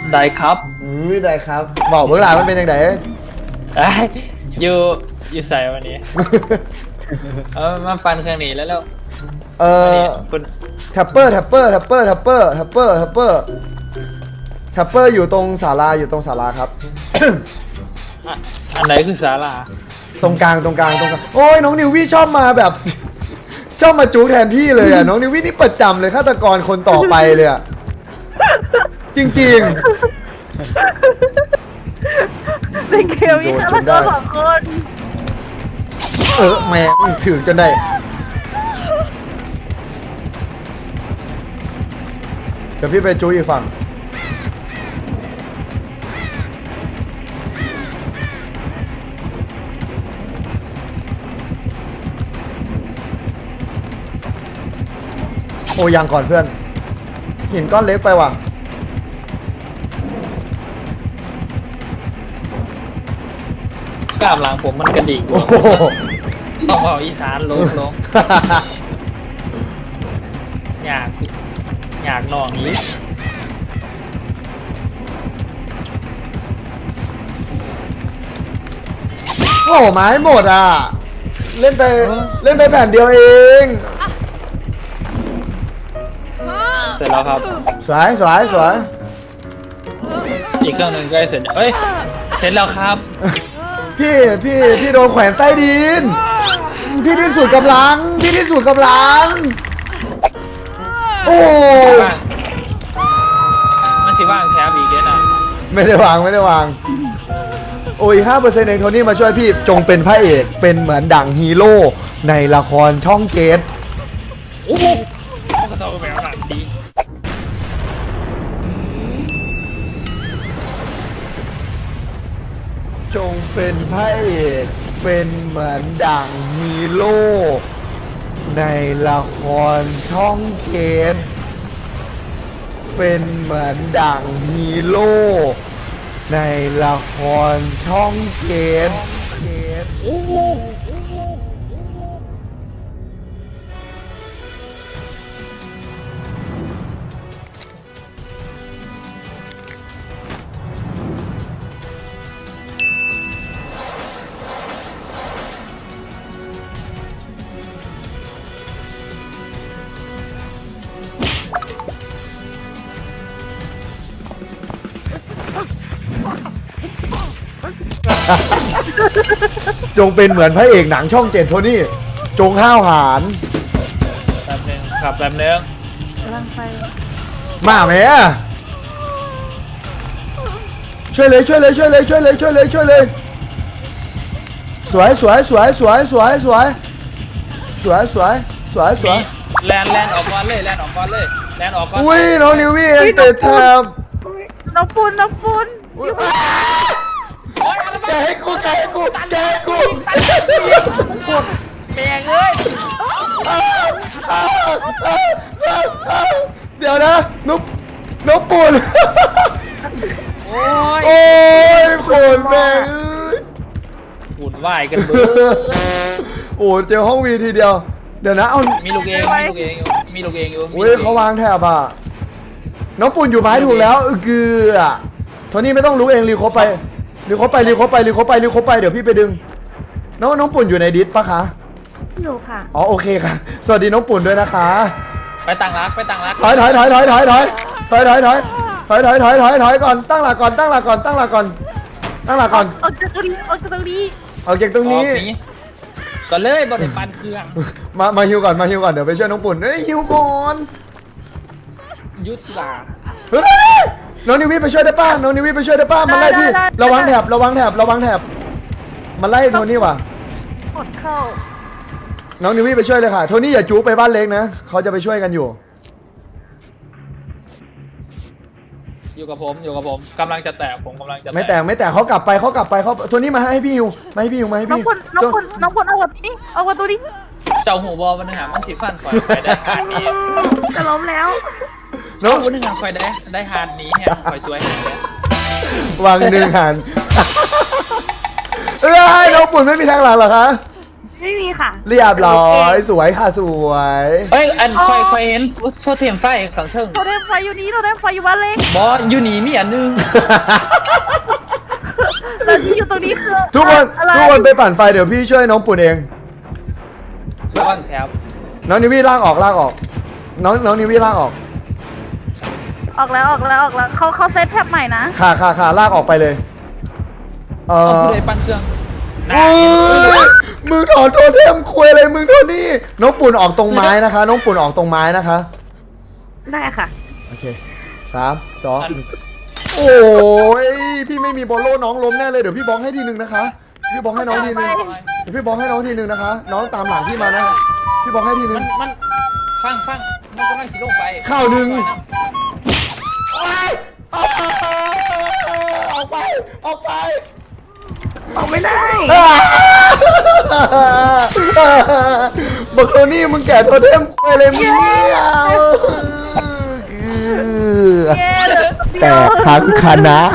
ได้ครับได้ครับบอกเบื้องหลังมันเป็นยังไงอยู่ใส่วันนี้ มาปั่นเครื่องนี้แล้วคุณแท็ปเปอร์อยู่ตรงศาลาครับอันไหนคือศาลาตรงกลางโอ้ยน้องนิววี่ชอบมาแบบ ชอบมาจู๊แทนพี่เลยอ่ะน้องนิววี่นี่ประจำเลยฆาตกรคนต่อไปเลยอ่ะจริงในเกมมีฆาตกร2 คนแม่งถือจนได้เดี๋ยวพี่ไปจู๊อีกฝั่งโอ้ยังก่อนเพื่อนหินก้อนเล็กไปว่ะกล้ามหลังผมมันกระดิ่งต้องเอาอีสานลงอยากนองนี้โอ้ไม้หมดอ่ะเล่นไปแผ่นเดียวเองเสร็จแล้วครับสวยอีกเครื่องหนึ่งใกล้เสร็จเสร็จแล้วครับพี่โดนแขวนใต้ดินพี่ดิ้นสุดกำลังโอ้มันสิว่างแคบอีกด้วยนะไม่ได้วางโอ้ย5%เองโทนี่มาช่วยพี่จงเป็นพระเอกเป็นเหมือนดั่งฮีโร่ในละครช่องเจ็ดโอ้โหกระโดดไปหลังดีจงเป็นพระเอกเป็นเหมือนดั่งฮีโร่ในละครช่องเจ็ดเป็นเหมือนดั่งฮีโร่ในละครช่องเจ็ดโอ้โหจงเป็นเหมือนพระเอกหนังช่องเจ็ดโทนี่จงห้าวหาญแป๊บนึงครับแป๊บนึงกำลังไปมาไหมช่วยเลยสวยแลนออกก่อนเลยอุ้ยน้องนิววี่เองเตะแทบน้องปุนแกให้กูกดแม่งเลยเดี๋ยวนะนุ๊กปุ่นโอ้ยคนแม่งปุ่นไหวกันเบอร์โอ้เจอห้องวีทีเดียวเดี๋ยวนะเอามีลูกเองอยู่อุ้ยเขาวางแถบอ่ะน้องปุ่นอยู่ไม้ถูกแล้วเกือโทนี่ไม่ต้องรู้เองรีโคไปเดี๋ยวพี่ไปดึงน้องปุ่นอยู่ในดิสปะคะอยู่ค่ะอ๋อโอเคค่ะสวัสดีน้องปุ่นด้วยนะคะไปต่างรักถอยก่อนตั้งหลักก่อนออกจากตรงนี้ก็เลยบริปันเครื่องมาฮิวก่อนเดี๋ยวไปช่วยน้องปุ่นฮิวก่อนยุทธาน้องนิวี่ไปช่วยได้ป้ามันไล่พี่ระวังแถบมันไล่โทนี่ว่ะกดเข้าน้องนิวี่ไปช่วยเลยค่ะโทนี่อย่าจู๊ไปบ้านเล็กนะเขาจะไปช่วยกันอยู่กับผมกำลังจะแตกผมกำลังจะไม่แตกเขากลับไปเขาโทนี่มาให้พี่ฮิวน้องพลเอาวัตัวนี้เจ้าหูบอลมันหามันสีฟันไฟได้หาดนี้จะล้มแล้วน้องคนหนึ่งหาไฟได้หาดนี้เนี่ยไฟสวยวางหนึ่งหันน้องปุ่นไม่มีทางหลังเหรอคะไม่มีค่ะเรียบร้อยสวยค่ะสวยเอ้ยอันคอยเห็นโทษเทียมไฟขังเทิงโทรเทมไฟอยู่นี้โทรเทมไฟอยู่บ้านเล็กบอสอยู่นี่มีอันนึงแล้วที่อยู่ตรงนี้คือทุกคนอะไรทุกคนไปปั่นไฟเดี๋ยวพี่ช่วยน้องปุ่นเองระวังแถบน้องนิวี่ลากออกลากออก น้องนิวี่ลากออกออกแล้วเขาเซตแท็บใหม่นะค่ะลากออกไปเลยเอาผู้ใดปั้นเครื่องโอ้ยมึงถอนโทเทมคุยอะไรมึงโทนี่น้องปุ่นออกตรงไม้นะคะ น้องปุ่นออกตรงไม้นะคะได้ค่ะโอเค3 2 1โอ้ยพี่ไม่มีบอลโล่น้องล้มแน่เลยเดี๋ยวพี่บล็อกให้ทีนึงนะคะพี่บล็อกให้น้องทีนึงเดี๋ยวพี่บล็อกให้น้องทีนึงนะคะ น้องตามหลังพี่มานะพี่บล็อกให้ทีนึงมันฟังมันกำลังสิลงไปข้าวหนึ่ง ออกไปออกไม่ได้บอกโทนี่มึงแก่โทเทมคุยอะไรมึงเนี่ยเย้เหลือเดีแต่ยวทั้งคณะ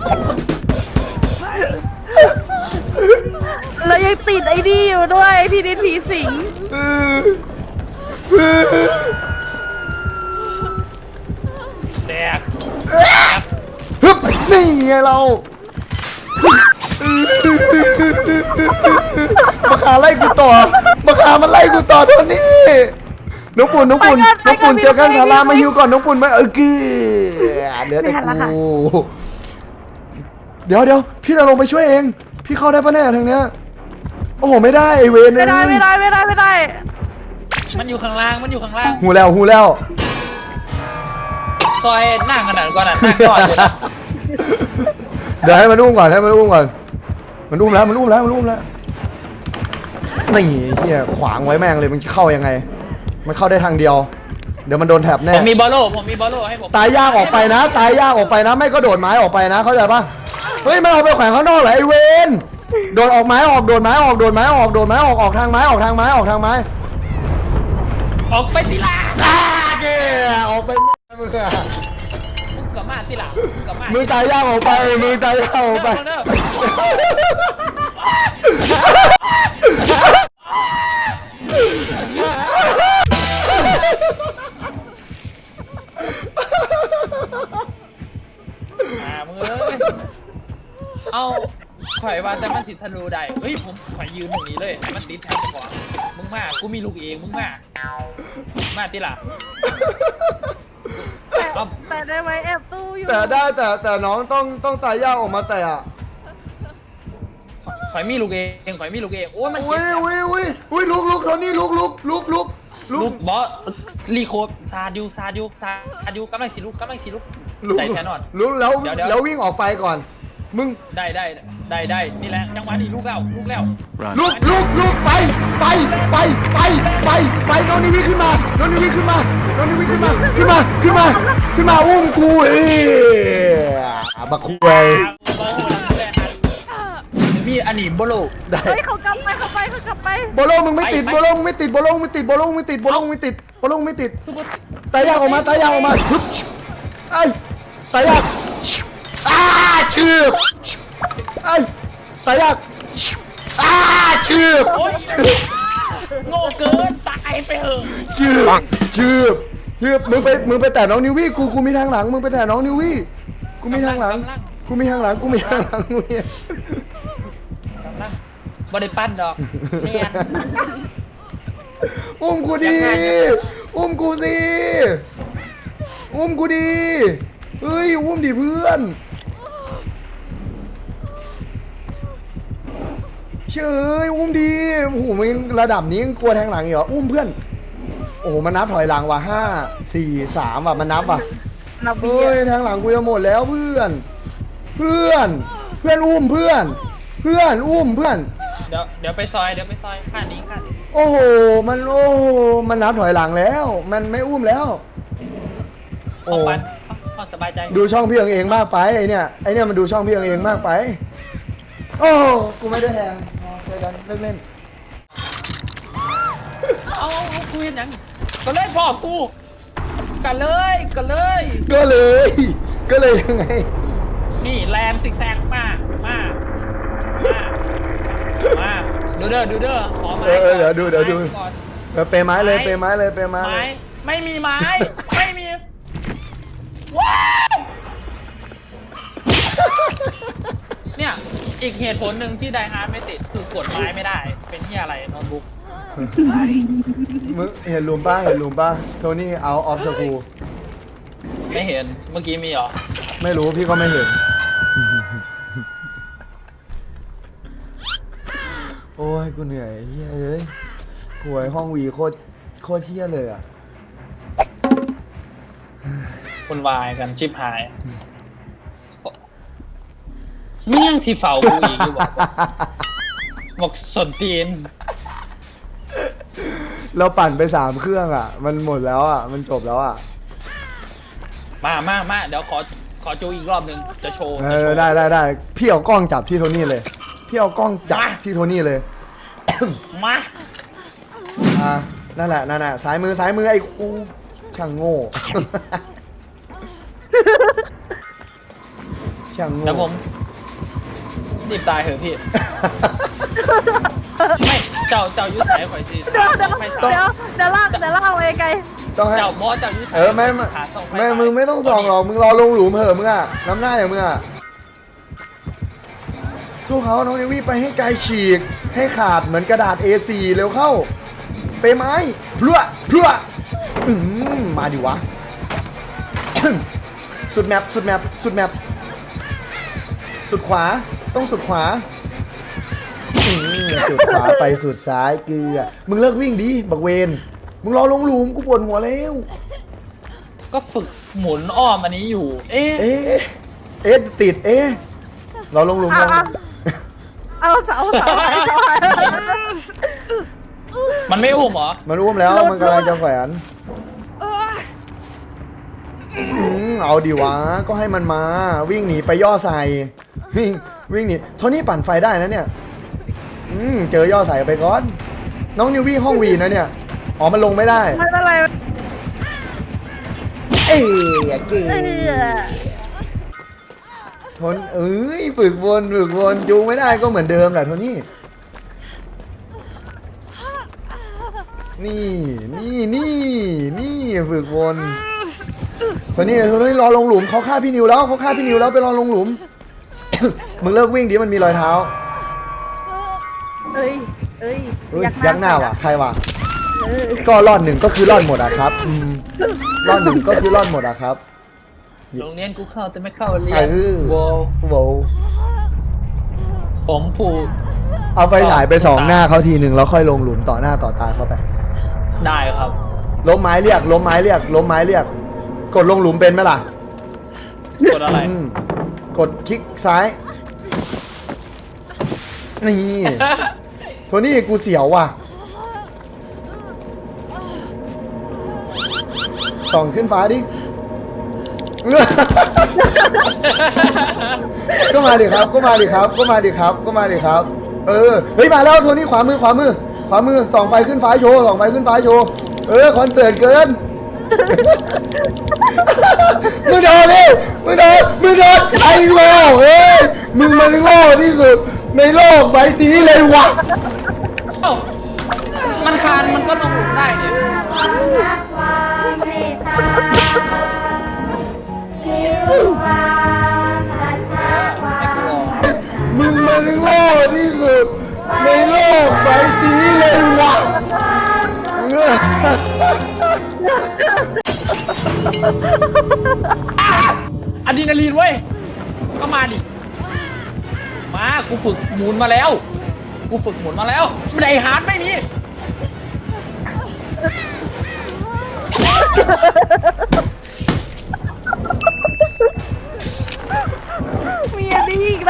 แล้วยังติดไอ้นี่อยู่ด้วยพี่นิดผีสิงแดกฮึบนี่ไงเรามาขาไล่กูต่อมาขามันไล่กูต่อโทนี่น้องปุ่นเจอกันศาลามาฮิวก่อนน้องปุ่นมากือเหลือแต่กูเดี๋ยวพี่จะลงไปช่วยเองพี่เข้าได้ปะเนี่ยทางเนี้ยโอ้โหไม่ได้ไอเวนเลยไม่ได้มันอยู่ข้างล่างหูแล้วซอยนั่งขนาดก่อนนั่งก่อนเลยนะเดี๋ยวให้มันอุ้มก่อนมันอุ้มแล้วนี่เฮียขวางไว้แม่งเลยมันเข้ายังไงมันเข้าได้ทางเดียวเดี๋ยวมันโดนแถบแน่ผมมีบอลโล่ให้ผมตายยากออกไปนะไม่ก็โดดไม้ออกไปนะเข้าใจปะเฮ้ยมันเอาไปแขวนข้างนอกเหรอไอเวนโดดออกไม้ออกออกทางไม้ออกทางไม้ออกไปติลาเจ้ออกไปมึงอะมึงกับมาติลากับมามือตายยากออกไปเด้อ มึงเอ้ยเอาข่อยว่าแต่มันสิทะลุได้เฮ้ยผมข่อยยืนตรงนี้เลยมันติดแถบขวามึงมากูมีลูกเองมึงมาติล่ะแต่ได้ไหมแอบตู้อยู่แต่ได้แต่น้องต้องตายยากออกมาแต่อะข่อยมีลูกเองโอ้ยมันอุ้ยลุกโทนี่ลุกลูกบอสรีโคบซาดิวกำลังสิลุกได้แค่นอนลุกแล้ววิ่งออกไปก่อนมึงได้นี่แหละจังหวะนี้ลุกแล้วลุกไปน้องนิวิขึ้นมาอุ้มกูบักคุยมีอันนี้โบโลได้เฮ้ยเขากลับไปบอลมึงไม่ติดบอลไม่ติดตายยากออกมาฮึบไอ้ตายยากชืบไอ้ตายยากชืบโอ้ยโง่เกินตายไปเหอะชืบมึงไปแต่น้องนิวี่กูมีทางหลังมึงไปแต่น้องนิวี่กูมีทางหลังบ่ได้ปั้นดอกเนียนอุ้มกูดีอุ้มกูสิอุ้มกูดีเฮ้ยอุ้มดิเพื่อนเชื่ออุ้มดีโอ้โหมึงระดับนี้ยังกลัวแทงหลังเหรออุ้มเพื่อนโอ้โหมันนับถอยหลังว่ะ5 4 3ว่ะมันนับว่ะเฮ้ยแทงหลังกูจะหมดแล้วเพื่อนอุ้มเพื่อนอุ้มเพื่อนเดี๋ยวไปซอยข้านี้โอ้โหมันนับถอยหลังแล้ว มันไม่อุ้มแล้วโอ้ปั้นพอสบายใจดูช่องพี่เองมากไปไอเนี่ยมันดูช่องพี่เองมากไปโอ้กูไม่ได้แทงเจอกันเล่นเอาคุยยังก็เลยบอกกูกันเลยก็เลยยังไงนี่แลนซิกแซกมาดูเด้อขอไม้เดี๋ยวดูก่อนเปไม้เลยเปไม้เลยเปไม้ไม้เลยไม่มีไม้ ไม่มีว้าวเนี่ยอีกเหตุผลหนึ่งที่ไดฮาร์ดไม่ติดคือกดไม้ไม่ได้ เป็นที่อะไรโน้ตบุ๊กมึงเห็นลุมป้าโทนี่เอาออฟสกูไม่เห็นเมื่อกี้มีเหรอไม่รู้พี่ก็ไม่เห็น โอ้ยกูเหนื่อยเฮ้ยเอ้ยหวยห้องวีโคตรเที่ยเลยอ่ะคุณวายกันชิบหายไม่ยังสีเฝ้ากูอีกอยู่บอกสนตีนเราปั่นไป3 เครื่องอ่ะ มันหมดแล้วอ่ะ มันจบแล้วอ่ะมาเดี๋ยวขอจูอีกรอบหนึ่งจะโชว์ได้พี่เอากล้องจับที่โทนี่เลย พี่เอากล้องจับที่โทนี่เลยมานั่นแหละซ้ายมือไอ้กูช่างโง่ ช่างโง่แล้วผมรีบตายเหอะพี่ ไม่เจ้ายุ้ยสายข่อยสิเดี๋ยวลากไปไกลต้องให้เจ้าบอสเจ้ายุ้ยสายไม่ขาส่งไฟมึงไม่ต้องส่องหรอก มึงรอลงหลุมเหอะมึงอ่ะ น้ำหน้าอย่างมึงอ่ะ สู้เขาน้องเนวี่ไปให้ไกลฉีก ให้ขาดเหมือนกระดาษ A4 เร็วเข้า ไปไม้พลั่วมาดิวะ สุดแมปสุดขวา ต้องสุดขวา สุดขวาไปสุดซ้ายเกลือ มึงเลิกวิ่งดิบักเวน มึงรอลงหลุมกูปวดหัวแล้วก็ฝึกหมุนอ้อมอันนี้อยู่ เอ๊ะติดรอลงหลุมๆลงเอาเสามันไม่อุ้มเหรอมันอุ้มแล้วมันกำลังจะแขวนเอาดิวะก็ให้มันมาวิ่งหนีไปย่อใส่วิ่งหนีโทนี่ปั่นไฟได้นะเนี่ยเจอย่อใส่ไปก่อนน้องนิววี่ห้องวีนะเนี่ยอ๋อมันลงไม่ได้ไม่เป็นไรเอ้ยเก๋ทนฝึกวนจูงไม่ได้ก็เหมือนเดิมแหละโทนี่นี่ฝึกวนโทนี่รอลงหลุมเขาฆ่าพี่นิวแล้วไปรอลงหลุม มึงเลิกวิ่งดิมันมีรอยเท้าเอ้ยยักหน้าว่ะใครว่ะก็รอด1ก็คือรอดหมดอะครับรอด1ก็คือรอดหมดอะครับโรงเรียนกูเข้าแต่ไม่เข้าเรียนโว้ผมผูกเอาไฟฉายไป2 หน้าเขาทีหนึ่งแล้วค่อยลงหลุมต่อหน้าต่อตาเข้าไปได้ครับล้มไม้เรียกกดลงหลุมเป็นไหมล่ะกดอะไรกดคลิกซ้ายนี่โทนี่กูเสียวว่ะส่องขึ้นฟ้าดิ ก็มาดิครับเฮ้ยมาแล้วโทนี่ขวามือส่องไฟขึ้นฟ้าโชว์คอนเสิร์ตเกิน มึงโดนไอ้โง่มึงมันโง่ที่สุดในโลกใบนี้เลยวะเอ้ามันคานมันก็ต้องหลุดได้เนี่ยมึงมันโง่ที่สุดในโลกใบนี้เลยวะอะดรีนาลีนเว้ย ก็มาดิ มากูฝึกหมุนมาแล้วไดฮาร์ดไม่มีมีอันนี้อีกนะ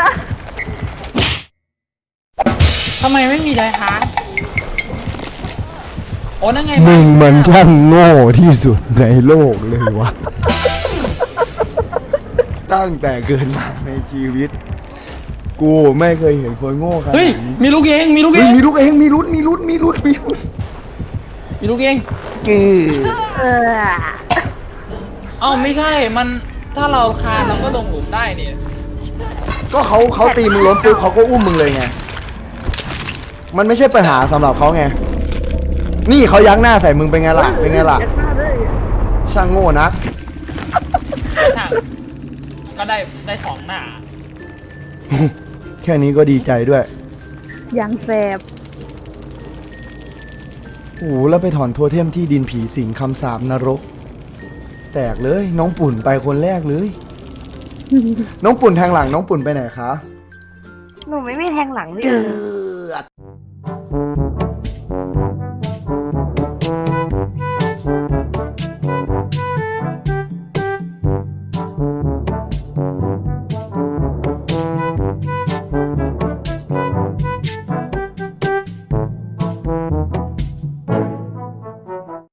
ทำไมไม่มีไดฮาร์ดโอ้นั่นไงมึงมันช่างโง่ที่สุดในโลกเลยวะ ตั้งแต่เกิดมาในชีวิต กูไม่เคยเห็นคนโง่ขนาดเฮ้ยนี้มีลูกเองมีลูกเอเฮ้ยงมีลูกเองมีลุ้นมีลูกเองเก๋เอ้าไม่ใช่มันถ้าเราคานเราก็ลงหลุมได้เนี่ยก็เขาตีมึงล้มปุ๊บเขาก็อุ้มมึงเลยไงมันไม่ใช่ปัญหาสำหรับเขาไงนี่เขายักหน้าใส่มึงเป็นไงล่ะเป็นไงล่ะยักหน้าด้วยช่างโง่นักช่างก็ได้สองหน้าแค่นี้ก็ดีใจด้วยยังแสบโอ้โหแล้วไปถอนโทเทมที่ดินผีสิงคำสาปนรก แตกเลย น้องปุ่นไปคนแรกเลย น้องปุ่นแทงหลังน้องปุ่นไปไหนคะหนูไม่มีแทงหลังเลยเกือด